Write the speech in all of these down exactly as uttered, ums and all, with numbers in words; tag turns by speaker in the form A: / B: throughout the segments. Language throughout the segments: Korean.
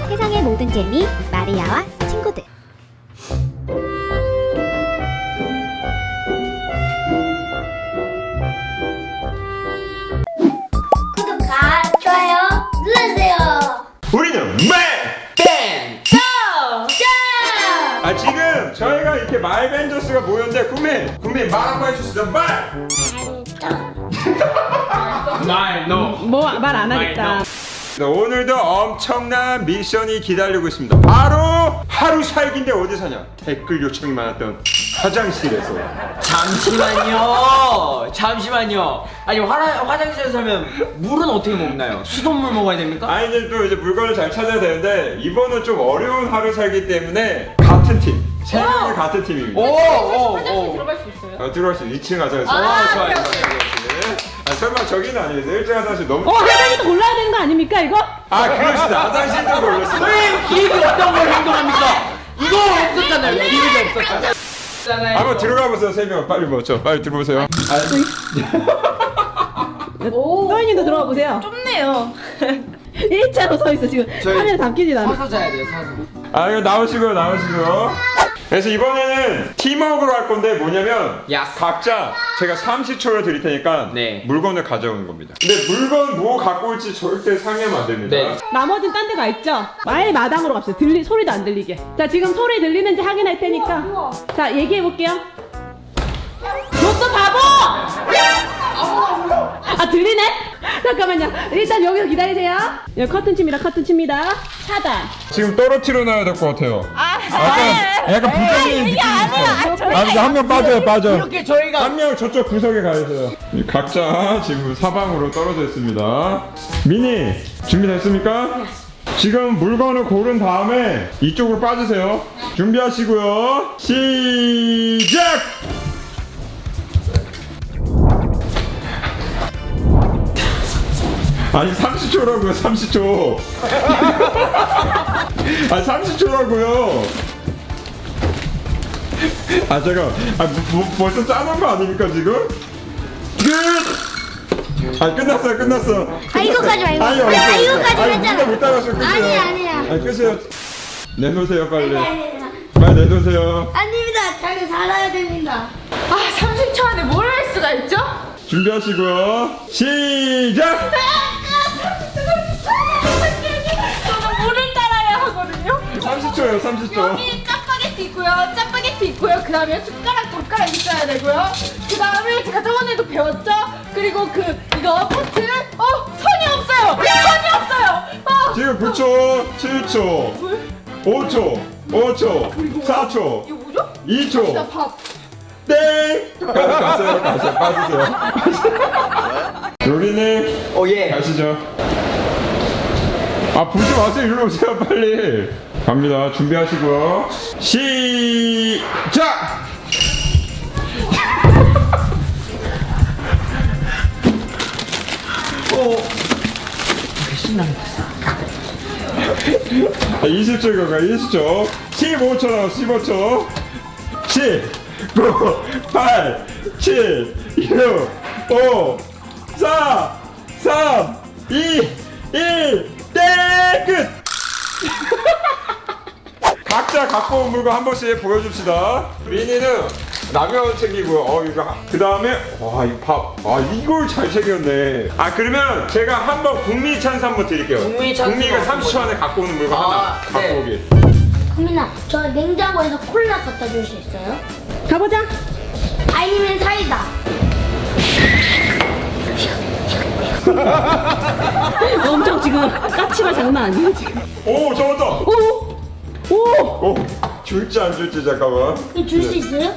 A: 세상의 모든 재미 마리아와 친구들.
B: 구독과 좋아요 눌러주세요.
C: 우리는 말! 아 지금 저희가 이렇게 말벤져스가 모였는데 국민! 국민 말 한번 해주세요. 말!
D: 말, 너.
E: 뭐 말 안 하겠다.
C: 네, 오늘도 엄청난 미션이 기다리고 있습니다. 바로 하루 살기인데 어디 사냐? 댓글 요청이 많았던 화장실에서.
D: 잠시만요. 잠시만요. 아니 화, 화장실에서 살면 물은 어떻게 먹나요? 수돗물 먹어야 됩니까?
C: 아니 이제 또 이제 물건을 잘 찾아야 되는데 이번은 좀 어려운 하루 살기 때문에 같은 팀! 세 명이 같은 팀입니다.
D: 오, 오, 오.
E: 들어갈 수 있어요?
C: 어, 들어갈 수 있어. 이 층 가자.
D: 아, 좋아요.
C: 아, 설마 저기는 아니겠어. 일 층 화장실 너무.
E: 어, 화장실도 골라야 되는 거 아닙니까 이거?
C: 아, 그렇습니다. 화장실도 골랐습니다.
D: 왜 기획이 없던 걸 행동합니까? 이거 없었잖아요. 기획이 없었잖아요.
C: 한번 들어가 보세요, 세 명. 빨리 먼저. 빨리 들어보세요.
E: 서인님도 들어가 보세요.
B: 좁네요.
E: 일자로 서 있어 지금.
D: 저희-
E: 화면 담기진 않아.
D: 서서 자야 돼요. 서서.
C: 아, 이거 나오시고요, 나오시고요. 그래서 이번에는 팀워크로 할 건데 뭐냐면
D: 야.
C: 각자 제가 삼십 초를 드릴 테니까
D: 네.
C: 물건을 가져오는 겁니다. 근데 물건 뭐 갖고 올지 절대 상의하면 안 됩니다.
D: 네.
E: 나머지는 딴 데 가 있죠? 아예 마당으로 갑시다. 들리 소리도 안 들리게. 자 지금 소리 들리는지 확인할 테니까. 자 얘기해 볼게요. 너 또 바보! 아 들리네? 잠깐만요. 일단 여기서 기다리세요. 여기 커튼 칩니다. 커튼 칩니다. 차단.
C: 지금 떨어뜨려 놔야 될 것 같아요. 약간, 약간 부정적인 느낌이 있어요. 아, 한 명 빠져요, 빠져.
D: 이렇게 저희가
C: 한 명 저쪽 구석에 가 있어요. 각자 지금 사방으로 떨어져 있습니다. 미니 준비됐습니까? 지금 물건을 고른 다음에 이쪽으로 빠지세요. 준비하시고요. 시작! 아니 삼십 초라고요. 삼십 초. 아니 삼십 초라고요. 아 제가 아, 뭐, 벌써 짜놓은 거 아닙니까 지금? 끝! 아 끝났어요 끝났어.
B: 아, 이거까지 말고.
C: 아니
B: 아,
C: 없어요.
B: 이거까지
C: 아니
B: 했잖아.
C: 누가 못 따라서 끝이에요.
B: 아니야, 아니야.
C: 아니 끝이에요. 내놓으세요 빨리.
B: 아닙니다.
C: 빨리 내놓으세요.
B: 아닙니다. 저는 살아야 됩니다.
F: 아, 삼십 초 안에 뭘 할 수가 있죠?
C: 준비하시고요. 시작!
F: 저는 물을 따라야 하거든요.
C: 삼십 초예요 삼십 초.
F: 여기 짜파게티 있고요, 짜파게티 있고요. 그 다음에 숟가락, 젓가락 있어야 되고요. 그 다음에 제가 저번에도 배웠죠? 그리고 그 이거 포트. 어, 선이 없어요. 선이 없어요. 어,
C: 지금 구 초, 칠 초, 오 초, 오 초, 사 초,
F: 이거 뭐죠?
C: 이 초.
F: 나 밥.
C: 땡! 가세요, 가세요, 빠지세요. 요리님,
D: 오 예.
C: 가시죠. 아, 보지 마세요. 일로 오세요, 빨리. 갑니다. 준비하시고요. 시작!
D: 오. 신나게.
C: 아, 이십 초 가가 이십 초. 십오 초 나와, 십오 초. 십, 구, 팔, 칠, 육, 오, 사, 삼, 이, 일, 땡! 끝! 각자 갖고 온 물건 한 번씩 보여줍시다. 미니는 라면 챙기고요. 어, 이거. 그 다음에, 와, 이 밥. 아, 이걸 잘 챙겼네. 아, 그러면 제가 한번 국민 찬스 한번 드릴게요.
D: 국민 찬스
C: 국민이가
D: 한번
C: 삼십 초 안에 갖고 오는 물건
D: 아,
C: 하나
D: 네.
C: 갖고 오기.
B: 국민아, 저 냉장고에서 콜라 갖다 줄 수 있어요?
E: 가보자.
B: 아니면 사이다.
E: 엄청 지금 까치가 장난 아니야 지금.
C: 오, 잡았다!
E: 오, 오.
C: 오, 줄지 안 줄지 잠깐만.
B: 그럼 줄 수 있어요?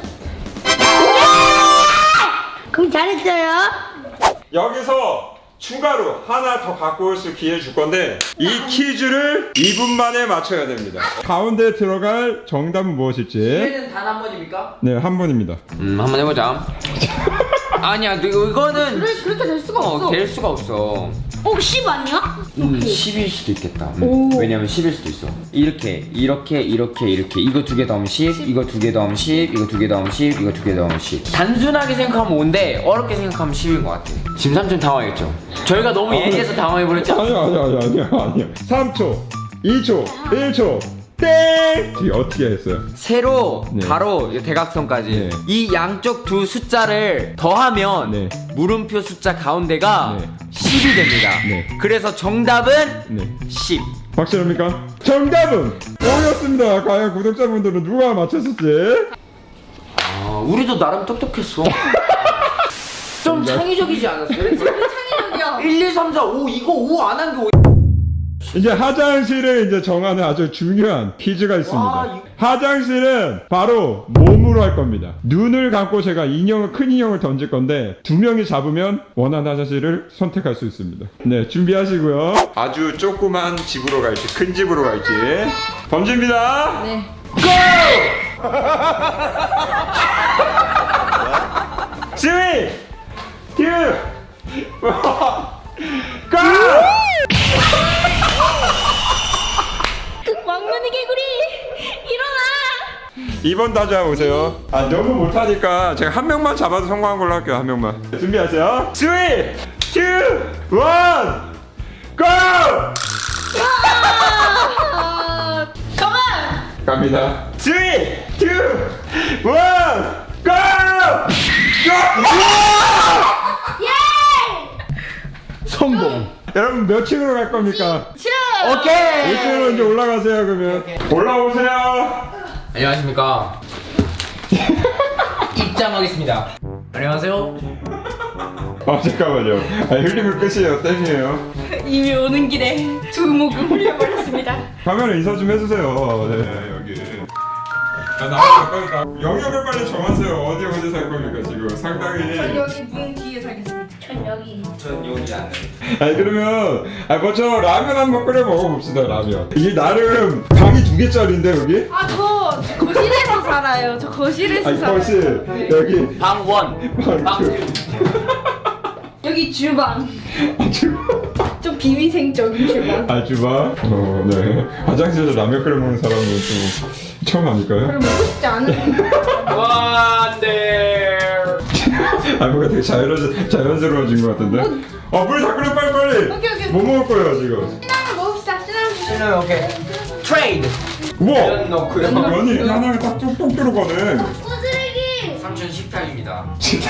B: 그럼 잘했어요.
C: 여기서 추가로 하나 더 갖고 올 수 기회 줄 건데 이 퀴즈를 이 분 만에 맞춰야 됩니다. 가운데 들어갈 정답은 무엇일지.
D: 기회는 단 한 번입니까?
C: 네, 한 번입니다.
D: 음, 한번 해보자. 아니야, 너 이거는
F: 그래, 그렇게 될 수가 없어.
D: 어, 될 수가 없어.
B: 어, 십 아니야?
D: 음, 십일 수도 있겠다. 음, 왜냐면 십일 수도 있어. 이렇게, 이렇게, 이렇게, 이렇게. 이거 두 개 더하면 십, 이거 두 개 더하면 십, 이거 두 개 더하면 십, 이거 두 개 더하면 십. 단순하게 생각하면 오인데 어렵게 생각하면 십인 것 같아. 지금 삼촌 당황했죠? 저희가 너무 예리해서 당황해버렸죠?
C: 아니야, 아니야, 아니야, 아니야, 아니야. 삼 초, 이 초, 일 초, 땡! 이게 어떻게 했어요?
D: 세로,
C: 네.
D: 가로, 대각선까지
C: 네.
D: 이 양쪽 두 숫자를 더하면
C: 네.
D: 물음표 숫자 가운데가
C: 네.
D: 십이 됩니다.
C: 네.
D: 그래서 정답은
C: 네.
D: 십.
C: 확실합니까? 정답은 오였습니다. 과연 구독자분들은 누가 맞췄을지?
D: 아, 우리도 나름 똑똑했어. 좀 창의적이지 않았어요?
F: 창의력이야.
D: 일, 이, 삼, 사, 오 이거 오 안 한 게 오.
C: 이제 화장실을 이제 정하는 아주 중요한 퀴즈가 있습니다.
D: 와, 이-
C: 화장실은 바로 몸으로 할 겁니다. 눈을 감고 제가 인형을, 큰 인형을 던질 건데 두 명이 잡으면 원하는 화장실을 선택할 수 있습니다. 네, 준비하시고요. 아주 조그만 집으로 갈지 큰 집으로 갈지 던집니다.
F: 네.
C: 쓰리, 투, 원, 고!
F: 왕눈이 개구리 일어나.
C: 이 번 다시 한번 오세요. 아, 너무 못하니까 제가 한 명만 잡아도 성공한 걸로 할게요. 한 명만. 준비하세요. 쓰리, 투, 원, 고!
F: 가만.
C: 갑니다. 쓰리, 투, 원, 고! 고!
D: 성공.
C: 여러분 몇 층으로 갈 겁니까?
F: 싫어.
D: 오케이.
C: 일 층으로 이제 올라가세요. 그러면 올라오세요.
D: 안녕하십니까. 입장하겠습니다. 안녕하세요.
C: 아 잠깐만요. 아, 흘리면 끝이에요. 땡이에요.
F: 이미 오는 길에 두 목을 흘려버렸습니다.
C: 카메라 인사 좀 해주세요. 네 여기. 아, 나가서 빨리 나. 영역을 빨리 정하세요. 어디 어디 살 겁니까 지금 상당히.
F: 여기 문 뒤에 살겠습니다.
B: 전 여기.
D: 전 여기 안 돼.
C: 아니 그러면 아 먼저 라면 한번 끓여 먹어봅시다. 라면. 이게 나름 방이 두 개짜리인데 여기?
F: 아, 저 거실에서 살아요. 저 거실에서
C: 아니
F: 살아요.
C: 거실 여기.
D: 방원.
C: 방
D: 방.
C: 투.
F: 여기 주방.
C: 아 주방.
F: 좀 비위생적인 주방.
C: 아 주방. 어 네. 화장실에서 라면 끓여 먹는 사람은 좀 처음 아닐까요?
F: 별로 먹고 싶지 않은.
D: 와, 네.
C: 아 뭔가 되게 자연스 자연스러워진 것 같은데. 어물 다 끓여 빨리 빨리.
F: 오케이, 오케이.
C: 뭐 먹을 거예요 지금?
F: 시나몬 먹읍시다. 시나몬.
D: 실례 오케이. 트레이드.
C: 우와.
D: 면 넣고요.
C: 면이 하나가 딱 뚝뚝 들어가네.
B: 쓰레기.
D: 삼촌 식탁입니다.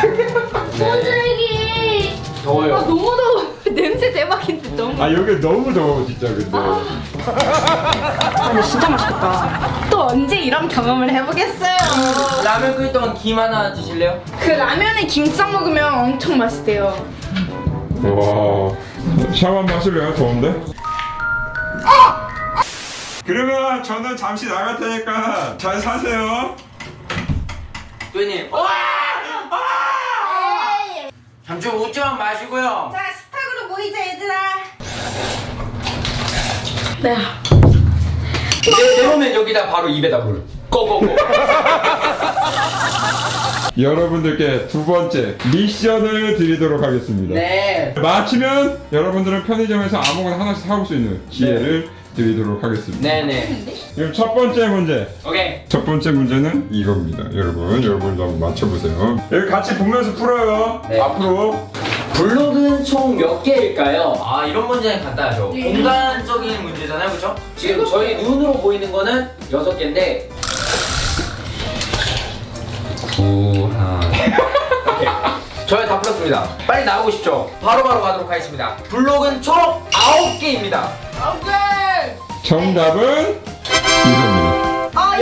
B: 쓰레기.
F: 아,
D: 더워요.
F: 너무 더워. 냄새 대박인데 너무.
C: 아 여기 너무 더워 진짜 근데.
F: 근데 진짜 맛있겠다. 또 언제 이런 경험을 해보겠어요.
D: 라면 끓일 동안 김 하나 드실래요?
F: 그 라면에 김 싸 먹으면 엄청 맛있대요.
C: 와. 샤워 한번 하실래요? 더운데? 그러면 저는 잠시 나갈 테니까 잘 사세요.
D: 도현님. 와! 삼촌 웃지만 마시고요.
F: 자, 식탁으로 모이자 얘들아. 네.
D: 내, 내려오면 여기다 바로 입에다 물. 고고고.
C: 여러분들께 두 번째 미션을 드리도록 하겠습니다.
D: 네.
C: 마치면 여러분들은 편의점에서 아무거나 하나씩 사올 수 있는 기회를 드리도록 하겠습니다.
D: 네네.
C: 그럼 첫 번째 문제.
D: 오케이.
C: 첫 번째 문제는 이겁니다. 여러분, 여러분도 한번 맞춰보세요. 여기 같이 보면서 풀어요.
D: 네.
C: 앞으로.
D: 블록은 총 몇 개일까요? 아, 이런 문제는 간단하죠. 공간적인 문제잖아요, 그렇죠? 지금 저희 눈으로 보이는 거는 여섯 개인데. 두 하나. 오케이. 저희 다 풀었습니다. 빨리 나오고 싶죠? 바로바로 가도록 하겠습니다. 블록은 총 아홉 개입니다.
F: 오케이.
C: 정답은 이겁니다.
F: 아,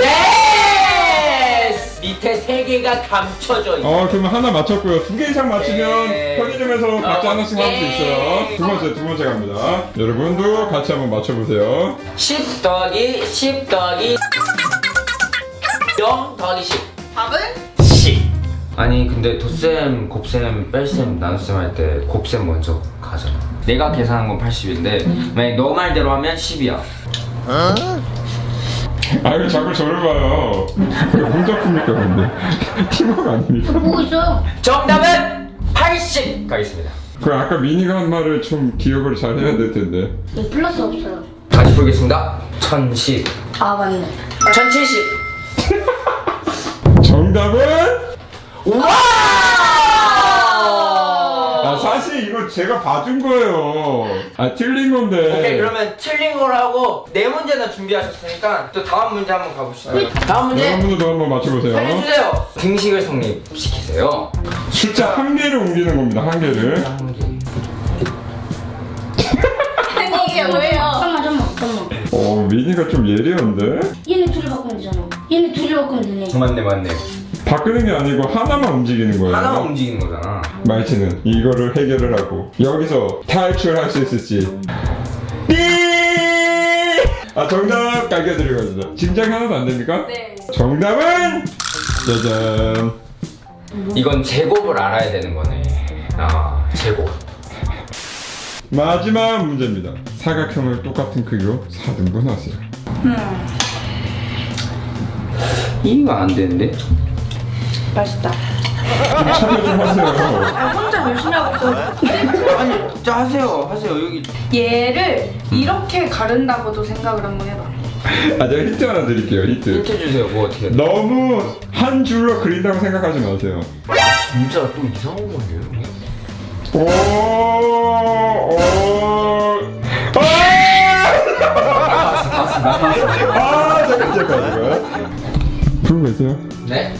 D: 예스! 밑에 세 개가 감춰져 있어요.
C: 어, 그러면 하나 맞췄고요. 두 개 이상 맞추면
D: 네.
C: 편의점에서 각자
D: 어,
C: 하나씩 할 수
D: 예.
C: 있어요. 두 번째, 두 번째 갑니다. 여러분도 같이 한번 맞춰보세요.
D: 십 더하기 십 더하기 영 더하기 십.
F: 답은?
D: 십. 아니 근데 덧셈, 곱셈, 뺄셈, 나눗셈 할 때 곱셈 먼저 가잖아. 내가 계산한 건 팔십인데 만약 너 말대로 하면 십이야.
C: 아유, 자꾸 저를 봐요. 왜 혼자 풉니까, 근데? 팀워크 아닙니까?
B: 보고 있어.
D: 정답은 팔십 가겠습니다.
C: 그 아까 미니가 한 말을 좀 기억을 잘 해야 될 텐데.
B: 네, 플러스 없어요.
D: 다시 보겠습니다. 천십.
B: 아 맞네.
D: 천칠십.
C: 정답은?
D: 와!
C: 아, 사실 이거 제 제가 봐준 거예요. 아 틀린 건데.
D: 오케이 그러면 틀린 걸 하고 네 문제나 준비하셨으니까 또 다음 문제 한번 가봅시다. 다음 문제
C: 여러분들도 한번 맞춰보세요.
D: 살려주세요. 등식을 성립시키세요.
C: 숫자 한 개를 옮기는 겁니다. 한 개를.
D: 한 개.
F: 아니 이게 뭐예요?
B: 잠깐만 잠깐만 잠깐만.
C: 어 미니가 좀 예리한데?
B: 얘네 둘이 바꾸면 되잖아. 얘네 둘이 바꾸면 되네.
D: 맞네 맞네.
C: 바꾸는 게 아니고 하나만 움직이는 거예요.
D: 하나만 움직이는 거잖아.
C: 말치는 이거를 해결을 하고 여기서 탈출할 수 있을지. 삐! 아 정답 알려드리거든요. 짐작이 하나도 안 됩니까?
F: 네.
C: 정답은 짜잔.
D: 이건 제곱을 알아야 되는 거네. 아 제곱.
C: 마지막 문제입니다. 사각형을 똑같은 크기로 사 등분하세요.
D: 이거 안 되는데?
F: 맛있다.
C: 좀 참여 좀 하세요.
F: 아 혼자 열심히 하고 있어.
D: 아니, 자 하세요, 하세요. 여기
F: 얘를 이렇게 가른다고도 생각을 한번 해봐.
C: 아 제가 힌트 하나 드릴게요. 힌트.
D: 힌트 주세요. 뭐 어떻게? 해?
C: 너무 한 줄로 그린다고 생각하지 마세요.
D: 진짜 또 이상한 거예요.
C: 오, 오, 아! 아, 잠깐, 잠깐, 잠깐. 부르고 계세요?
D: 네?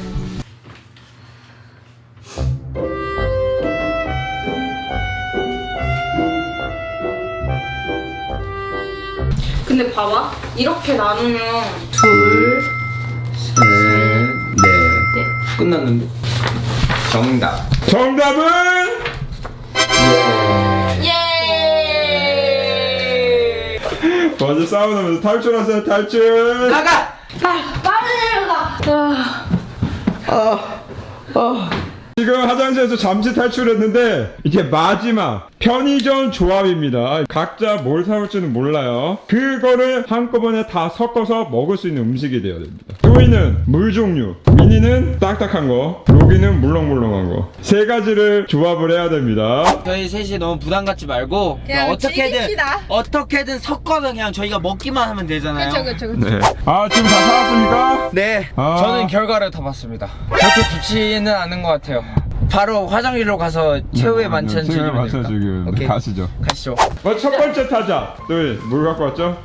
F: 근데 봐봐. 이렇게 나누면 둘,
D: 셋, 넷. 끝났는데? 정답.
C: 정답은
D: 예.
F: 예.
C: 먼저 싸우면서 탈출하세요. 탈출.
D: 나가.
C: 지금 화장실에서 잠시 탈출했는데 이제 마지막 편의점 조합입니다. 각자 뭘 사올지는 몰라요. 그거를 한꺼번에 다 섞어서 먹을 수 있는 음식이 되어야 됩니다. 조이는 물 종류, 미니는 딱딱한 거, 로기는 물렁물렁한 거. 세 가지를 조합을 해야 됩니다.
G: 저희 셋이 너무 부담 갖지 말고
F: 그냥
G: 어떻게든
F: 즐깁시다.
G: 어떻게든 섞어서 그냥 저희가 먹기만 하면 되잖아요.
F: 그쵸 그쵸 그쵸.
C: 네. 아 지금 다 사왔습니까?
G: 네,
C: 아.
G: 저는 결과를 다 봤습니다. 그렇게 좋지는 않은 것 같아요. 바로 화장실로 가서 최후의 만찬
C: 최후의
G: 즐기면
C: 만찬
G: 됩니다.
C: 즐기면
G: 오케이.
C: 가시죠.
G: 가시죠.
C: 뭐 첫 번째 타자. 조이 물 갖고 왔죠?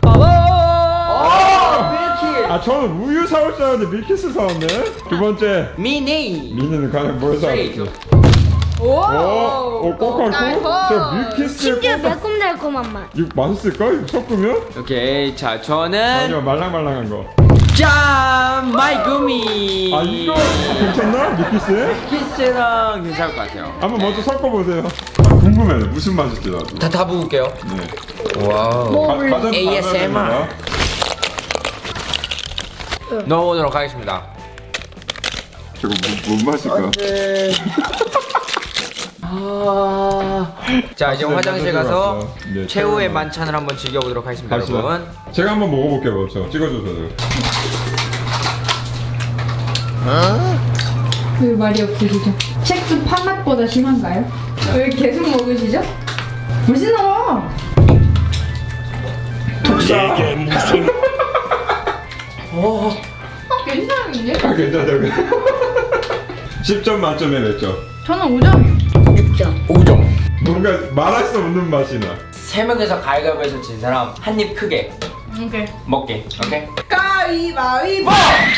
D: 밀키.
C: 아 저는 우유 사올 줄 알았는데 밀키스 사왔네. 두 번째
G: 미니.
C: 미니는 과연 뭘 사왔지?
F: 오.
C: 오, 오 꼬깔고? 저 밀키스
B: 심지어 매콤달콤한 맛.
C: 이거 맛있을까? 이거 섞으면?
G: 오케이, 자 저는
C: 아니요 말랑말랑한 거.
G: 짠 마이구미.
C: 아 이거 괜찮나? 밀키스?
G: 키스랑 괜찮을 것 같아요.
C: 한번 먼저 섞어보세요. 궁금해요 무슨 맛일지 나도.
G: 다 다 부을게요.
C: 네.
G: 와우.
C: 가- 가장
G: 에이에스엠알.
C: 잘하는
G: 넣어보도록 하겠습니다.
C: 저거 뭐, 뭔 맛일까?
G: 아. 자 이제
C: 네,
G: 화장실
C: 만져주러
G: 가서
C: 왔어. 네,
G: 최후의
C: 최후의
G: 만찬을 한번 즐겨보도록 하겠습니다,
C: 갑시다.
G: 여러분.
C: 제가 한번 먹어볼게요 먼저. 찍어줘서요.
F: 왜 말이 없으시죠? 첵스 파맛보다 심한가요? 왜 계속 먹으시죠? 맛있어. 어, 괜찮은데?
C: 아 괜찮아요. 십 점 만점에 몇 점?
F: 저는 오 점이요.
B: 육 점.
G: 오 점.
C: 뭔가 말할 수 없는 맛이 나.
G: 세 명에서 가위바위보에서 진 사람 한 입 크게
F: 오케이.
G: 먹게. 오케이?
F: 가위바위보.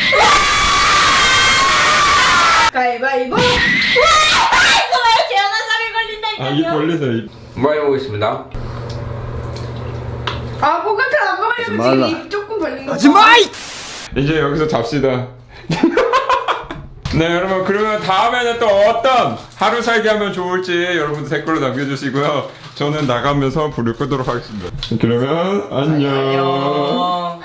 F: 가위바위보. 와! 이거 왜 제한한 살이
C: 아 입
F: 걸린다니까요?
C: 벌리세요. 입.
D: 뭐 해보겠습니다.
F: 아, 뭐가 잘안 먹으려면 지금 입 조금 벌린 거.
C: 이제 여기서 잡시다. 네 여러분 그러면 다음에는 또 어떤 하루 살기 하면 좋을지 여러분들 댓글로 남겨주시고요. 저는 나가면서 불을 끄도록 하겠습니다. 그러면 안녕.
G: 안녕.